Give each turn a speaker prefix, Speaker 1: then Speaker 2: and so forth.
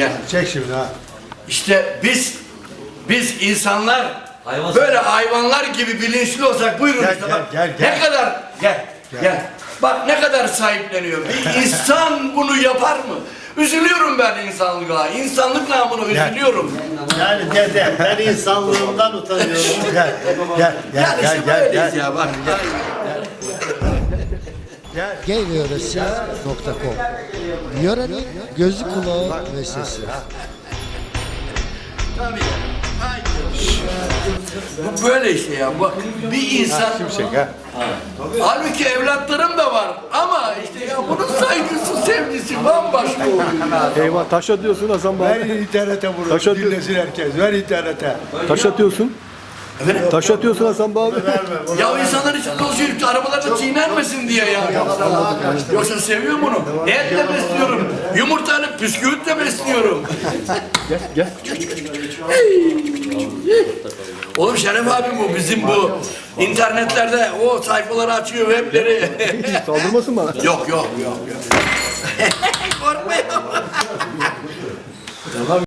Speaker 1: Gel.
Speaker 2: Çek şimdi ha.
Speaker 1: İşte biz insanlar böyle hayvanlar gibi bilinçli olsak buyurun
Speaker 2: Gel,
Speaker 1: işte
Speaker 2: gel,
Speaker 1: bak.
Speaker 2: gel, gel.
Speaker 1: Ne kadar gel. Bak ne kadar sahipleniyor. Bir insan bunu yapar mı? Üzülüyorum ben insanlığa. İnsanlık namına üzülüyorum.
Speaker 3: Yani dede, ben insanlığımdan utanıyorum.
Speaker 2: Gel.
Speaker 1: Yani işte böyleyiz ya bak.
Speaker 4: Gvyöresi.com Yörenin gözü kulağı ve sesi.
Speaker 1: Tabii. Bu böyle işte ya. Bak bir insan.
Speaker 2: Şimşek ha.
Speaker 1: Halbuki evlatlarım da var ama işte ya bunun saygısı, sevgisi bambaşka oluyor.
Speaker 5: Eyvah taş atıyorsun Hasan
Speaker 2: Ver
Speaker 5: Baba.
Speaker 2: internete bunu.
Speaker 5: Taş atıyor.
Speaker 2: Dinlesin herkes. Ver internete.
Speaker 5: Taş atıyorsun. Taş atıyorsun Hasan Baba.
Speaker 1: Ya insanlar için dolaşıyor, arabalarda çiğnenmesin diye ya. Yoksa seviyorum bunu. Et de besliyorum. Yumurtanı, püsküvit de besliyorum.
Speaker 5: Gel.
Speaker 1: Oğlum Şeref abi bu bizim bu internetlerde o sayfaları açıyor webleri.
Speaker 5: Saldırmasın bana.
Speaker 1: Yok. Korkmayın.